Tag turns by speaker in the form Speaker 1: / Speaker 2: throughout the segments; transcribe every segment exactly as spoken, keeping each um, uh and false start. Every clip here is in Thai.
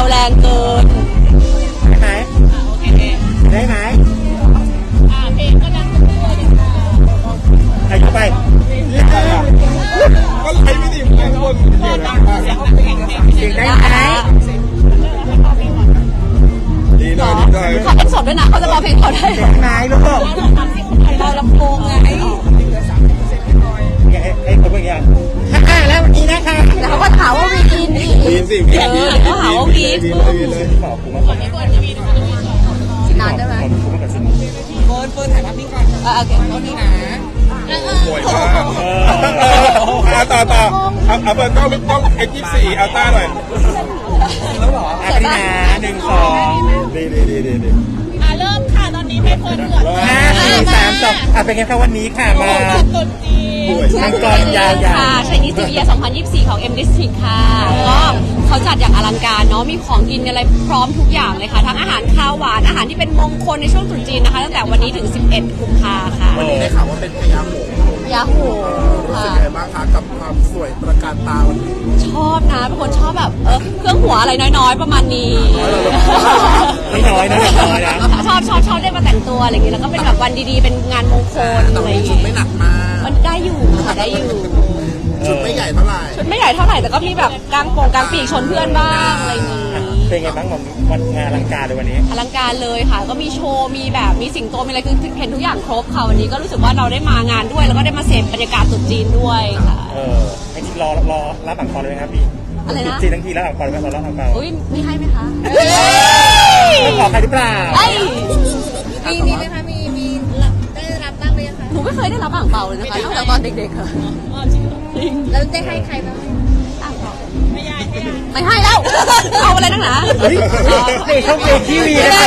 Speaker 1: แรงเกิน
Speaker 2: ได้ไหม
Speaker 3: โอเค
Speaker 2: ได้ไหม
Speaker 3: อ่าเพลงก็ดังตัวอยู่
Speaker 2: ใครเข้าไป
Speaker 4: ก็ไลฟ์ไม่ดีเหมือนกันคนเดียวนะ
Speaker 2: เสียงได้ไหม
Speaker 4: ดีหน่อยดีหน่อย
Speaker 1: เขาเป็นสดด้วยนะเขาจะร้องเพลงเขาได้
Speaker 2: เสียงไหนลูก
Speaker 1: เราลำโพงไง
Speaker 2: ไอ้ไอ้คนเมื่อกี้ค่ะแล้ววันนี้นะคะ
Speaker 1: แล้วเขาก็ถามว่าวีกินอีก
Speaker 4: วีนสิวีนวีน
Speaker 1: เขาหาว่าวีน
Speaker 2: เลยขอบคุณมาก
Speaker 3: คนที่ควรจะมีนะคะ
Speaker 1: นานได้ไหม
Speaker 3: เฟิร์นเฟิร์นถ่ายภาพนิ่งก่อน
Speaker 1: โอเค
Speaker 3: ตอนนี้นะ
Speaker 4: สวยมากเอาต่อต่อเอาเอาเปิดกล้องกล้องเอ็กซ์ยี่สิบสี่เอาต้าหน่อย
Speaker 2: แล้วหรออ่ะพี่นาหนึ่งสองดีดีดีดีดี
Speaker 3: อ่าเริ่มค่ะตอนนี้เพเฟิร์นเหลือ
Speaker 2: ห้าสี่สามสองอ่ะเป็นไงครับวันนี้ค่ะมา
Speaker 3: ตุนจีน
Speaker 2: มังกรยาวๆ
Speaker 1: ค่ะชัยนิสต์เยียร์สองพันยี่สิบสี่ของ M District ค่ะก็เขาจัดอย่างอลังการเนาะมีของกินอะไรพร้อมทุกอย่างเลยค่ะทั้งอาหารคาวหวานอาหารที่เป็นมงคลในช่วงตรุษจีนนะคะตั้งแต่วันนี้ถึงสิบเอ็ดกุมภาค่ะ
Speaker 4: วันนี้ได้ข่าวว่าเป็นพญาหงส์
Speaker 1: ยาโห
Speaker 4: รู้สึกยังไงบ้างคะกับความสวยตระการตาวันนี้
Speaker 1: ชอบนะเป็นคนชอบแบบเออเครื่องหัวอะไรน้อยๆประมาณนี้
Speaker 2: ไม่น้อยนะน้อยนะ
Speaker 1: ชอบชอบชอบได้มาแต่งตัวอะไรอย่างเงี้ยแล้วก็เป็นแบบวันดีๆเป็นงานมงคลอะไรอย่างเงี้ย
Speaker 4: ไม่หนักมาก
Speaker 1: มันได้อยู่ค่ะได้อยู่
Speaker 4: ชุดไม่ใหญ่เท่าไหร่
Speaker 1: ชุดไม่ใหญ่เท่าไหร่แต่ก็มีแบบกางโปงกางปีกชนเพื่อนบ้างอะไรอย่างงี้
Speaker 2: เป็นไงบ้างวันงานอลังการเลยวันนี้
Speaker 1: อลังการเลยค่ะก็มีโชว์มีแบบมีสิงโตมีอะไรคือเห็นทุกอย่างครบค่ะวันนี้ก็รู้สึกว่าเราได้มางานด้วยแล้วก็ได้มาเสพบรรยากาศตรุษจีนด้วยค่ะ
Speaker 2: เออไอ้ที่รอรอรับอ่างเปาเลยไหมครับพี่
Speaker 1: อะไรนะ
Speaker 2: จีนทั้งทีรับอ่างเปาเลยไหมรอรับอ่างเปา
Speaker 1: อุ้ยไม่ให้ไหมคะ
Speaker 2: ไม่ขอใครหรือเปล่า
Speaker 3: มีมีไหมคะมีมีได้รับบ้างไหมคะ
Speaker 1: หนูไม่เคยได้รับอ่างเปาเลยนะคะตั้งแต่ตอนเด็กๆค่ะ
Speaker 3: แล้วได้ให้ใครบ้าง
Speaker 1: อ่างเปา
Speaker 3: ไม่ให้
Speaker 1: ไม่ให้แล้วเอาอะไรนักหนา
Speaker 2: เฮ้ยนี่เขาเป็นทีวีนะ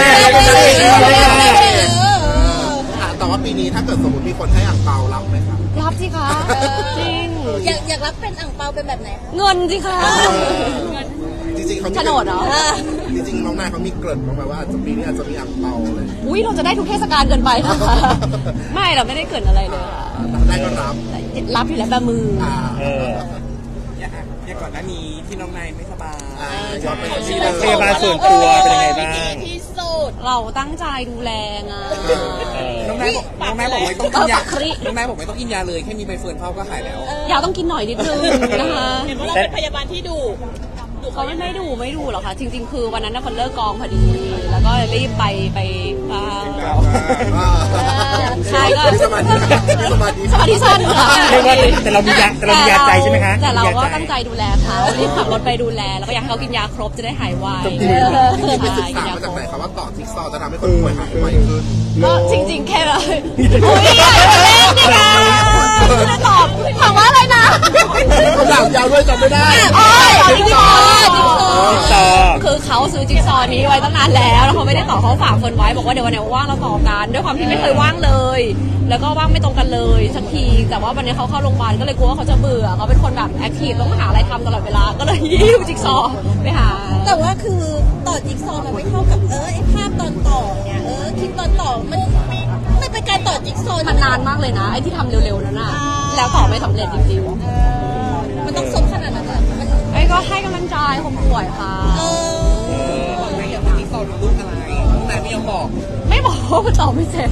Speaker 4: แต่ว่าปีนี้ถ้าเกิดสมมติมีคนให้อ่างเปารับไหมครับ
Speaker 1: รับสิคะจริง
Speaker 3: อยากอยากรับเป็นอ่างเปาเป็นแบบไหน
Speaker 1: เงินสิคะ
Speaker 4: จริงๆเขา
Speaker 1: โฉนดเหรอ
Speaker 4: จริงๆน้องนายเขามีเกริ่นมาว่าอาจจะปีนี้อาจจะมีอ่างเปาเลย
Speaker 1: อุ้ยเราจะได้ทุกเทศกาลเกินไปนะคะไม่เราไม่ได้เกริ่นอะไรเลยค่ะ
Speaker 4: ได้ก็รับ
Speaker 1: รับอยู่แล้วแบบมือ
Speaker 5: อย่างก่อนหน้านี้ที่น้องนายไม่สบาย
Speaker 4: ย้อนไปที่
Speaker 2: พยาบาลส่วนตัวเป็นยังไงบ้าง
Speaker 3: ที่สุด
Speaker 1: เราตั้งใจดูแลไง
Speaker 5: น้องนายบอกน้องนายบอกไม่ต้องกินยาน้องนายบอกไม่ต้องกินยาเลยแค่มีใบเฟิร์นเข้าก็หายแล้ว
Speaker 1: ยาต้องกินหน่อยนิดนึงนะคะ
Speaker 3: เห็นว่าเราเป็นพยาบาลที่ดุ
Speaker 1: เขาไม่ไม่ดูไม่ดูหรอกค่ะจริงๆคือวันนั้นน่ะคนเลิกกองพอดีแล้วก็รีบไปไปใช่ก็
Speaker 4: สมาธิสมาธิ
Speaker 1: สมาธิสั้นค่ะ
Speaker 2: แต่เรามียาแต่เรามียาใจใช่ไหมคะ
Speaker 1: แต่เราก็ตั้งใจดูแลเขารีบขับรถไปดูแลแล้วก็อยากให้เขากินยาครบจะได้หายไว
Speaker 4: ไปศึกษามาจากไหนครับว่าต่อจิ๊กซอว์จะทำให้คนป่วยหายไวขึ้น
Speaker 1: ก็จริงๆแค่เลยอุ้ยอยากเล่นดิค่ะจะตอบถามว่าอะไรนะ
Speaker 4: คำถามยาวด้วยจำไม่ได้
Speaker 1: อ๋อจิ๊กซอว์จิ๊กซอว์คือเขาซื้อจิ๊กซอว์นี้ไว้ตั้งนานแล้วแล้วเขาไม่ได้ต่อเขาฝากคนไว้บอกว่าเดี๋ยววันไหนว่างเราต่อกันด้วยความที่ไม่เคยว่างเลยแล้วก็ว่างไม่ตรงกันเลยสักทีแต่ว่าวันนี้เขาเข้าโรงพยาบาลก็เลยกลัวว่าเขาจะเบื่อเขาเป็นคนแบบแอคทีฟต้องหาอะไรทำตลอดเวลาก็เลยยิ้วจิ๊กซอว์ไปหา
Speaker 3: แต่ว่าคือต่อจิ๊กซอว์มันไม่เท่ากับเออไอภาพตอนต่อเนี่ยเออคลิปตอนต่อมันไม่เป็นการต่อจิ๊กซอว์
Speaker 1: มันนานมากเลยนะไอที่ทำเร็วๆนั่นน่ะแล้วต่อไม่สำเร็จจริงๆ
Speaker 3: มันต้องสมขนาดนั้นอ่ะ
Speaker 1: ไอ้ก็ให้กำลังใจคนป่วยค่ะ
Speaker 3: เอ
Speaker 5: อไม่อยากมีต่อรูปอะไรน้องนายไม่ยอมบอก
Speaker 1: ไม่บอกว่าต่อไม่เสร็จ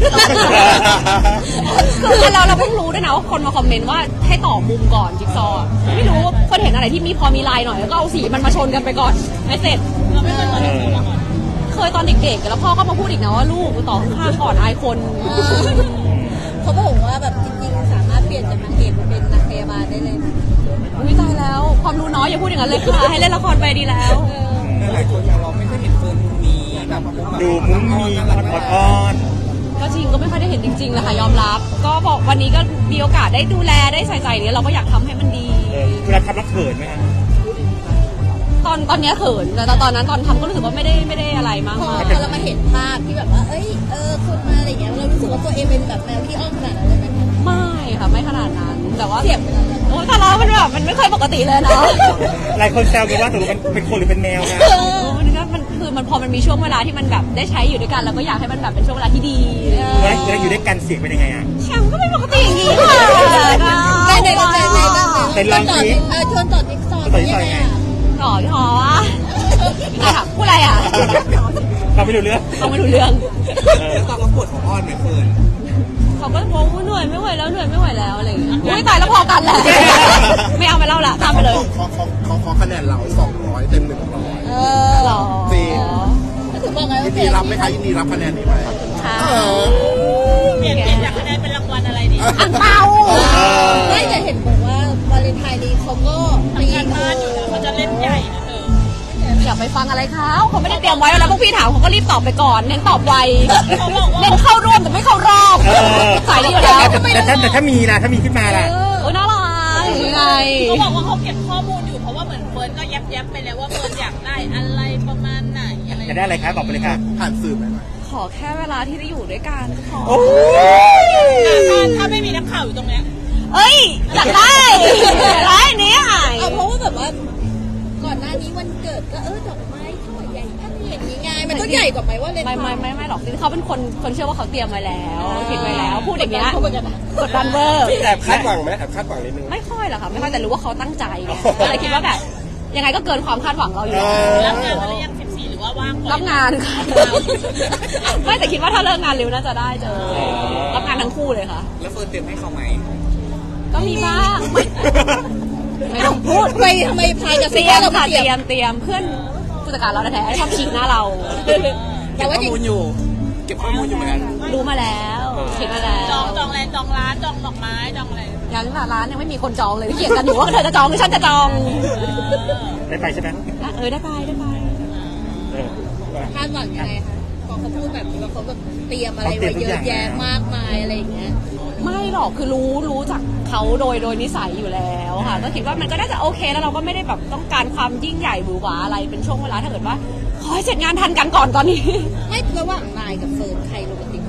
Speaker 1: คือเราเราเพิ่งรู้ด้วยนะว่าคนมาคอมเมนต์ว่าให้ต่อมุมก่อนจิ๊กซอว์ไม่รู้คนเห็นอะไรที่มีพอมีลายหน่อยแล้วก็เอาสีมันมาชนกันไปก่อนไม่เสร็จเราไม่เคยต่อจิ๊กซอว์มาก่อนเคยตอนเด็กๆแล้วพ่อก็มาพูดอีกนะว่าลูกต่อข้างก่อนอายคน
Speaker 3: เขาบอกว่าแบบจริงๆสามารถเปลี่ยนจากนางเอกมาเป็นนักพยาบาลได้เลย
Speaker 1: อุ้ยตายแล้วความรู้น้อยอย่าพูดอย่างนั้นเลยค่ะให้เล่นละครไปดีแล้ว
Speaker 5: หลายคนเราไม่เคยเห็นเฟิร์นมีแบบ
Speaker 2: ดูมุ้งมีอ่อน
Speaker 1: ก็จริงก็ไม่ค่อยได้เห็นจริงๆเลยค่ะยอมรับก็บอกวันนี้ก็มีโอกาสได้ดูแลได้ใส่ใจเนี่ยเราก็อยากทำให้มันดี
Speaker 2: เวลาทำแล้วเขินไหมคะ
Speaker 1: ตอนตอนนี้เขินแต่ตอนนั้นตอนทำก็รู้สึกว่าไม่ได้ไม่ได้อะไรมาก
Speaker 3: พอเรามาเห็นภาพที่แบบว่าเอ้ยเออคนมาอะไรเงี้ยเรารู้สึกว่าตัวเองเป็นแบบแมวที่อ้อมขนาดนั้นเลยไหม
Speaker 1: ไม่ค่ะไม่ขนาดนั้นแต่ว่าเสียบโอ้แต่เรามันแบบมันไม่เคยปกติเลยเนาะ
Speaker 2: หลายคนแซวกันว่าตัวเป็นเป็นคนหรือเป็นแมวนะ
Speaker 1: มันก็มันคือมันพอมันมีช่วงเวลาที่มันแบบได้ใช้อยู่ด้วยกันเราก็อยากให้มันแบบเป็นช่วงเวลาที่ดี
Speaker 2: แล้วแล้วอยู่ด้วยกันเสียงเป็นยังไงอ่ะ
Speaker 1: เสียงก็ไม่ปกติอย่างนี้ค่ะ
Speaker 3: ในในในใน
Speaker 2: เป็นลอง
Speaker 3: ทีเออชวนต่อจิ๊กซอว์
Speaker 1: ต่อที่หอวะถามพูด
Speaker 2: รู้เรื่อง
Speaker 1: เขาไม่รู้เรื่อง
Speaker 5: แล้วตอนเขาปวดของอ้อนไหมเฟิร์น
Speaker 1: เขาก็บอกว่าเหนื่อยไม่ไหวแล้วเหนื่อยไม่ไหวแล้วอะไรอย่างเงี้ยอุ้ยตายแล้วพอกันแหละ ไม่เอาไปเล่าละตามไปเลย
Speaker 6: เขาเขาเขาเขาคะแนนเราสองร้อยเต็มหนึ่งร้อย
Speaker 3: เออ
Speaker 1: หรอ
Speaker 6: จริง
Speaker 3: ก็ถือว่าไง
Speaker 6: ยิ
Speaker 3: ว่าน เป
Speaker 6: ดี
Speaker 3: ลี่ยน
Speaker 6: รับไหมคะยินดีรับคะแนนนี้ไหม
Speaker 1: ค่ะ
Speaker 3: เปลี่ยนเปลี่ยนจากคะแนนเป็นรางวัลอะไรดี
Speaker 1: อังเปา
Speaker 3: ไม่แต่เห็นบอกว่าวาเลนไทน์นี้เขาก็มีการบ้านอยู่นะเขาจะเล่นใหญ่นะเธอ
Speaker 1: อย่าไปฟังอะไรเขาเขาไม่ได้เตรียมไว้แล้วพวกพี่ถามเขาก็รีบตอบไปก่อนเน้นตอบไวเน้นเข้าร่วมแต่ไม่เข้ารอบสายนี้อยู่แล้ว
Speaker 2: แต่ถ้าแต่ถ้ามีนะถ้ามีขึ้นมาล่ะ
Speaker 1: โอ้ยน่ารักยังไง
Speaker 7: เขาบอกว่าเขาเก็บข้อมูลอยู่เพราะว่าเหมือนเฟิร์นก็ยับยับๆไปแล้วว่าเฟิร์นอยากได้อะไรประมาณไหนอะไร
Speaker 2: จะได้อะไรคะบอกไปเลยค่ะ
Speaker 6: ผ่านสื่อไหมไหม
Speaker 1: ขอแค่เวลาที่ได้อยู่ด้วยกันขอ
Speaker 7: ถ้าถ้าไม่มีนักข่าวอยู่ตรงเนี้ย
Speaker 1: เอ้ยอยากได้อยากได้เนี่ย
Speaker 3: เอาเพราะว่าแบบว่าก่อนหน้านี้วันเกิดก็เออดอกไม้ช่อใหญ่ท่านเห็นยังไงมันต้องใหญ่กว่าไหมว่าเลน
Speaker 1: ไม่ไม่ไม่ไม่หรอกจริงๆเขาเป็นคนคนเชื่อว่าเขาเตรียมไว้แล้วคิดไว้แล้วพูดอย่างเงี้ยกดดันเวอร์
Speaker 4: แอบคาดหวังไหมแอบคาดหวังนิดนึง
Speaker 1: ไม่ค่อยหรอกค่ะไม่ค่อยแต่รู้ว่าเขาตั้งใจไงก็เลยคิดว่าแบบยังไงก็เกินความคาดหวังเราอยู่แล้ว
Speaker 7: รับงานมาหรือยังสิบสี่หรือว่าว่างก่อน
Speaker 1: รับงานค่ะไม่แต่คิดว่าถ้าเลิกงานเร็วน่าจะได้เจอรับงานทั้งคู่เลยค่ะ
Speaker 5: แล้วเฟิร์นเตรียมให้เขาไหม
Speaker 1: ก็มีบ้างไม่ไม่ต้องพูด
Speaker 3: ทำไมทำไมพายกับ
Speaker 1: เต
Speaker 3: ซี
Speaker 1: รียม
Speaker 3: เรา
Speaker 1: ค่ะ
Speaker 3: เต
Speaker 1: เต
Speaker 3: รี
Speaker 1: รี
Speaker 3: ย
Speaker 1: ย
Speaker 3: ม
Speaker 1: มเตรียมเพื่อนผู้จัดการเราแท้ๆชอบฉีกหน้าเรา
Speaker 5: เก็บ
Speaker 3: แต่ว่า
Speaker 5: ข้
Speaker 3: จ
Speaker 5: อ
Speaker 3: ริง
Speaker 5: มูลอยู่ เก็บข้อมูลอยู่เหมือนกัน
Speaker 1: รู้มาแล้วเห็นมาแล้
Speaker 7: จอ
Speaker 1: ว
Speaker 7: งจองอะไรจองร้านจองดอกไม้จองอะไร
Speaker 1: ยังร้านยังไม่มีคนจองเลยเถียงกันอยู่ว่าเธอจะจองหรือฉันจะจอง
Speaker 2: ได้ไปใช่ไหม
Speaker 1: เออได้ไปได้ไป
Speaker 2: เออ
Speaker 3: คาดหวังยังไงคะพอเขาพูดแบบนี้ว่าเขาแบบเตรียมอะไรไว้เยอะแยะมากมายอะไรอย่างเงี้ย
Speaker 1: ไม่หรอกคือรู้รู้จากเขาโดยโดยนิสัยอยู่แล้วค่ะ ก็คิดว่ามันก็น่าจะโอเคแล้วเราก็ไม่ได้แบบต้องการความยิ่งใหญ่หวือหวาอะไรเป็นช่วงเวลาถ้าเกิดว่าขอให้เสร็จงานทันกันก่อนตอนนี้
Speaker 3: ไม่ระหว่างนายกับเฟิร์นใครโรแมนติกกว่า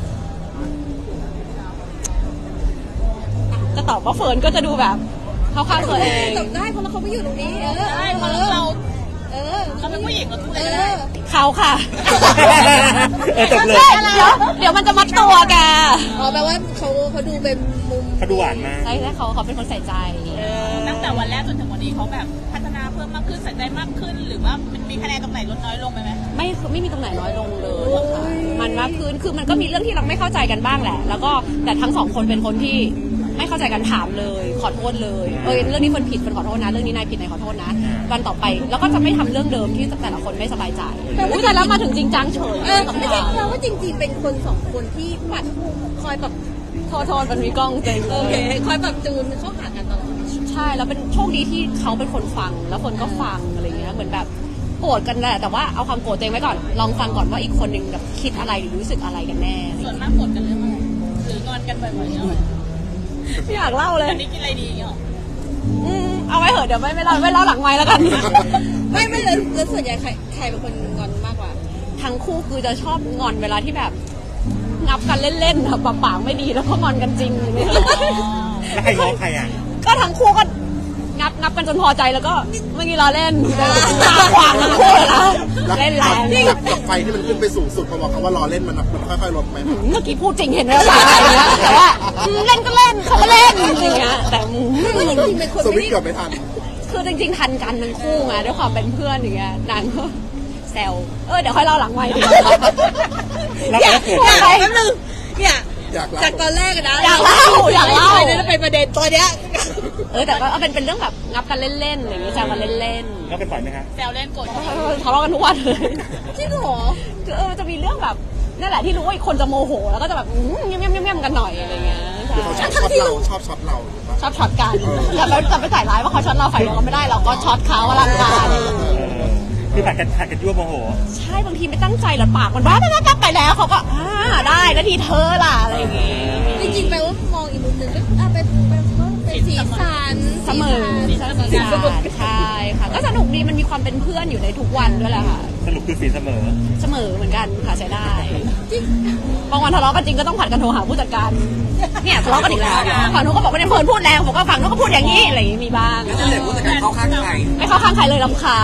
Speaker 1: จะตอบว่าเฟิร์นก็จะดูแบบเข้าข้างตัวเอง
Speaker 3: ตอบได้เพราะเราเขาไม่อยู่ตรงนี้เออ
Speaker 7: ใช่เพราะเรา
Speaker 3: เออ
Speaker 7: เราเป็นผู้หญิงเราพูด
Speaker 3: เอ
Speaker 7: อะไรก็ได้
Speaker 3: อ
Speaker 1: เขาค่ะ
Speaker 2: เออจบเลย
Speaker 1: เดี๋ยวเดี๋ยวมันจะมัดตัวแก
Speaker 3: อ๋อแปลว่าเขาเขาดูเป็นมุม
Speaker 2: เขาดูหวานมาก
Speaker 1: ใช่ใช่เขาเขาเป็นคนใส่ใจ
Speaker 7: ตั้งแต่วันแรกจนถึงวันนี้เขาแบบพัฒนาเพิ่มมากขึ้นใส่ใจมากขึ้น หรือว่ามันมีคะแนนตรงไหนลดน้อยลงไปไหม
Speaker 1: ไม่ไม่มีตรงไหนน้อยลงเลยค่ะมันมากขึ้นคือมันก็มีเรื่องที่เราไม่เข้าใจกันบ้างแหละ แล้วก็แต่ทั้งสองคนเป็นคนที่ไม่เข้าใจกันถามเลย ขอโทษเลยเออเรื่องนี้คนผิดคนขอโทษนะเรื่องนี้นายผิดนายขอโทษนะวันต่อไปแล้วก็จะไม่ทำเรื่องเดิมที่แต่ละคนไม่สบายใจอุ้ยแต่แล้วมาถึงจริงจังเฉย
Speaker 3: เออไม่ใช่แปลว่าจริง ๆ เป็นคนสองคนที่ปัดคอยแบบ
Speaker 1: ขอโทษมันมีกล้องจริง
Speaker 3: โอเคคอยแบบจูนเข้าหากันตลอด
Speaker 1: ใช่แล้วเป็นโชคดีที่เขาเป็นคนฟังแล้วคนก็ฟังอะไรเงี้ยเหมือนแบบโกรธกันแหละแต่ว่าเอาความโกรธตัวเองไว้ก่อนลองฟังก่อนว่าอีกคนหนึ่งแบบคิดอะไรหรือรู้สึกอะไรกันแน่
Speaker 7: ส่วนมากกดกันเรื่องอะไรหรืองอนกันบ่อยๆเนี่ย
Speaker 1: ไม่อยากเล่าเลย
Speaker 7: วันนี้กินอะไรดีเนาะ
Speaker 1: อืมเอาไว้เหอะเดี๋ยวไม่ไม่เล่าไม่เล่าหลังไม้แล้วกัน
Speaker 3: ไม่ไม่เลยแล้วส่วนใหญ่ใครใครเป็นคนงอนมากกว่า
Speaker 1: ทั้งคู่คือจะชอบงอนเวลาที่แบบงับกันเล่นๆแบบปากไม่ดีแล้วก็งอนกันจริงอย่างเงี้ย
Speaker 2: แล้วใครง้อใครอ่ะ
Speaker 1: ก็ทั้งคู่ก็งับงับกันจนพอใจแล้วก็เมื่อกี้เราเล่นตาขวางทั้งคู่เลยนะเล่นแรง
Speaker 6: กับกับไฟที่มันขึ้นไปสูงสุดพอบอกคำว่ารอเล่นมันมันค่อยๆลดไหม
Speaker 1: เมื่อกี้พูดจริงเห็นไหมว่าอะไรเงี้ยแต่ว่าเล่นก็เล่นเขาก็เล่นอย่างเงี้ยแต่
Speaker 3: ไม่ว่าจริงๆเป็นคน
Speaker 6: ส
Speaker 3: ไม่
Speaker 6: วิตช์
Speaker 3: ได้
Speaker 6: เกือบไม่ทัน
Speaker 1: คือจริงๆทันกันทั้งคู่ไงด้วยความเป็นเพื่อนอย่างเงี้ยนางก็แซวเออเดี๋ยวค่อยเล่าหลังไมค์ดี
Speaker 2: แล้ว
Speaker 3: อยา
Speaker 2: แล้
Speaker 3: ก
Speaker 2: วเกิด
Speaker 3: อยากแป๊บนึงเนี่ย
Speaker 6: อยากเล่า
Speaker 3: จากตอนแรกอะนะ
Speaker 1: อยากเล่าอยากเล่า
Speaker 3: ไม่ได้เป็นประเด็นตอนเนี้ย
Speaker 1: เออแต่ก็เอาเป็นเป็นเรื่องแบบงับกันเล่นๆอะไรอย่างเงี้ยแซวกันเล่น
Speaker 2: แล้วกันบ่อยไหมคะ
Speaker 7: แซวเล่นกด
Speaker 1: ๆทะเลาะกันทุกวันเลย
Speaker 3: จริงเหรอ
Speaker 1: คือเออจะมีเรื่องแบบนั่นแหละที่รู้ว่าอีกคนจะโมโหแล้วก็จะแบบอืมเงี้ยเงี้ยๆๆกันหน่อยอะไรเงี้ยใช่
Speaker 6: เขาชอบช็อตเราชอบช็อตเราหรือเปล่า
Speaker 1: ชอบช็อตกันแต่เราจะไปใส่ร้ายว่าเขาช็อตเราฝ่ายเดียวก็ไม่ได้เราก็ช็อตเขาว่ารักกัน
Speaker 2: เออคือผัดกันผัดกันยั่วโมโห
Speaker 1: ใช่บางทีไม่ตั้งใจหรอกปากมันบ้าบ้าบ้าไปแล้วเขาก็อ่าได้นาทีเธอล่ะอะไรอย่างงี้
Speaker 3: จริงๆแปลว่ามองอีกมุมหนึ่งก็อ่ะเป็นเป็นเป็นสีสัน
Speaker 1: เสมอใช่ใช่ค่ะก็สนุกดีมันมีความเป็นเพื่อนอยู่ในทุกวันด้วยแหละค่ะ
Speaker 2: สรุปคือสีเสมอ
Speaker 1: เสมอเหมือนกันค่ะใช้ได้บางวันทะเลาะกันจริงก็ต้องผัดกันโทรหาผู้จัดการเนี่ยทะเลาะกันอีกแล้วฝั่งนู้นก็บอกว่าเนี่ยเพิร์นพูดแรงผมก็ฝั่งนู้นก็พูดอย่างนี้อะไรอย่างนี้มีบ้าง
Speaker 5: แล้วจะเหลือผู้จัดการเข้าข้างใคร
Speaker 1: ไม่เข้าข้างใครเลยรำคาญ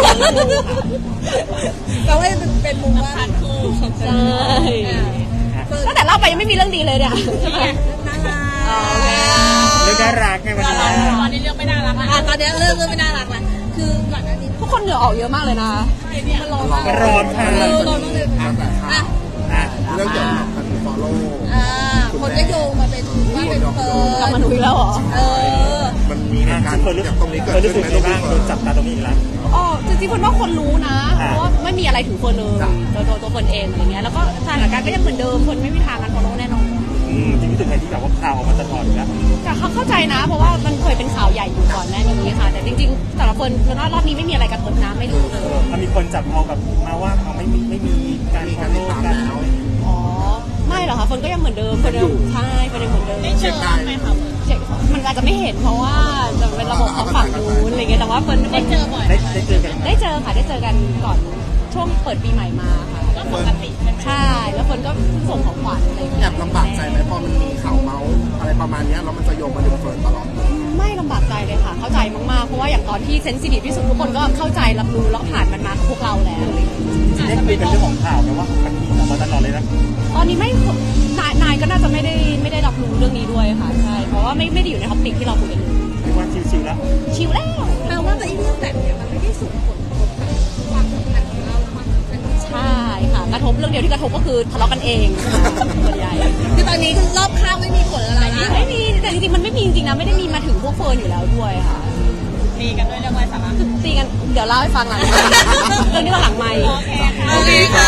Speaker 3: แปลว่าเป็นเป็นมุมว่า
Speaker 1: ใช่ตั้งแต่เล่าไปยังไม่มีเรื่องดีเลยเนี่ยใช่ไหม
Speaker 3: น่ารั
Speaker 1: โอเค
Speaker 3: ก
Speaker 2: เรื่องน่ารักไงวัน
Speaker 7: ตอน
Speaker 2: นี้
Speaker 7: ตอนนี้เรื่องไม่น่ารักนะ
Speaker 3: อ่ะตอนเนี้ยเริ่มเริ่มไม่น่ารักแล้วคือก่อนหน้านี้
Speaker 1: ทุกคนเหงื่อออกเยอะมากเลยนะมันร้อนมาก
Speaker 2: ร้อนค่ะ
Speaker 1: เออร้อนมากเลยอ่ะ
Speaker 2: อ่ะ
Speaker 6: เรื่องเกี่ยวกับการ follow
Speaker 3: อ่าคนก็โยงมาเป็นว่าเป็นเฟิร์
Speaker 1: กลับ
Speaker 3: น
Speaker 1: มาหนูอีกแล้วเหรอ
Speaker 3: เออ
Speaker 6: มันมีเหตุการณ์
Speaker 2: คนรู้
Speaker 6: จากตรงนี้
Speaker 2: ค
Speaker 6: เกิด
Speaker 2: นรู้
Speaker 6: ขึ้
Speaker 2: สึ
Speaker 6: น
Speaker 2: ก
Speaker 6: ไหม
Speaker 2: ยังไงบ้างโดนจับตาตรงนี้อีกแล้ว
Speaker 1: อ๋อจริงๆคนว่าคนรู้นะ
Speaker 2: อ่า
Speaker 1: เพราะว่าไม่มีอะไรถึงคนเลย
Speaker 6: จ้ะ
Speaker 1: ตัวตัวตัวคนเองอะไรเงี้ยแล้วก็สถานการณ์ก็ยังเหมือนเดิมคนไม่มีทางกันฟอลโล่แน่นอน
Speaker 2: อืมจริงๆรู้สึกไงที่แบบว่าข่าวออกมาตลอดอยู่แล้ว
Speaker 1: แต่เขาเข้าใจนะ เพราะว่ามันเคยเป็นข่าวใหญ่อยู่ก่อนหน้านี้ค่ะ แต่จริงๆสำหรับคนเฟิร์นว่ารอบนี้ไม่มีอะไรกระทบนะไม่รู้เลย
Speaker 2: มันมีคนจับเอาแบบมาว่าเขาไม่มีไม่มีการ
Speaker 6: มี
Speaker 2: ฟ
Speaker 6: กา
Speaker 2: อ
Speaker 6: ร
Speaker 2: ล
Speaker 6: ติด
Speaker 2: โล่
Speaker 6: ตาม
Speaker 2: กัน
Speaker 6: แล้ว
Speaker 1: อ๋อไม่หรอกค่ะเฟิร์นก็ยังเหมือนเดิมคนเดิมใช่คนยังเหมือนเดิม
Speaker 7: ได้เจอบ้างไหมคะ
Speaker 1: เช็คมันอาจจะไม่เห็นเพราะว่าจะเป็นระบบของฝั่งนู้นอะไรเงี้ยแต่ว่าเฟิร์น
Speaker 7: ได้เจอบ่อยไหม
Speaker 2: ได้
Speaker 7: คะ
Speaker 2: ได้เจอกันไหม
Speaker 1: ได้เจอค่ะได้เจอกันก่อนช่วงเปิดปีใหม่มาค่ะ
Speaker 7: ก็ปกติใช่ไหม
Speaker 1: ใช่แล้วเฟิร์นก็ส่งของขวัญอะไรอย่างเงี้ย
Speaker 6: แอบลำบากใจไหมพอมันมีข่าวเมาส์อะไรประมาณเนี้ยแล้วมันจะโยงมาถึงเฟิร์นตลอด
Speaker 1: ไม่ลำบากใจเลยค่ะ เข้าใจมากๆ เพราะว่าอย่างตอนที่เซนซิทีฟที่สุดทุกคนก็เข้าใจรับรู้แล้วผ่านมันมากับพวกเราแล้วอะไรอย่างเงี้ย
Speaker 2: ได้คุยกันเรื่องของข่าวไหมว่ามันมีออกมาตลอดเลยนะ
Speaker 1: ตอนนี้ไม่นายนายก็น่าจะไม่ได้ไม่ได้รับรู้เรื่องนี้ด้วยค่ะใช่เพราะว่าไม่ไม่ได้อยู่ในท็อปิกที่เราคุยกันเลย
Speaker 2: เรียกว่าชิวๆแล้ว
Speaker 1: ชิลแล้ว
Speaker 3: แปลว่าไอ้เรื่องแบบเนี้ยมันไม่ได้ส่งผลกระทบกับความสัมพันธ์ของเราความสัมพันธ์ของ
Speaker 1: ใช่ค่ะกระทบเรื่องเดียวที่กระทบก็คือทะเลาะกันเองค่ะส่วนใหญ่
Speaker 3: คือตอนนี้คือรอบข้างไม่มีผลอะไรนะ
Speaker 1: ไม่มีแต่จริงๆมันไม่มีจริงๆนะไม่ได้มีมาถึงพวกเฟิร์นอยู่แล้วด้วยค่ะ
Speaker 7: มีกันด้วยเรื่องอะไรสาระ
Speaker 1: ตีกันเดี๋ยวเล่าให้ฟังหลังไมค์เรื่องนี้ก็หลังไมค์
Speaker 7: โอเคค่ะ
Speaker 3: โอเคค่ะ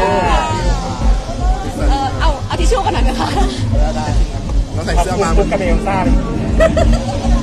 Speaker 1: เออเอาเอาทิชชู่กันหน่อยไหมคะ
Speaker 6: แล้วใส่
Speaker 2: ขอบ
Speaker 6: เสื้อ
Speaker 2: คุณ
Speaker 6: มา
Speaker 2: คุณกับเอลซ่าเลย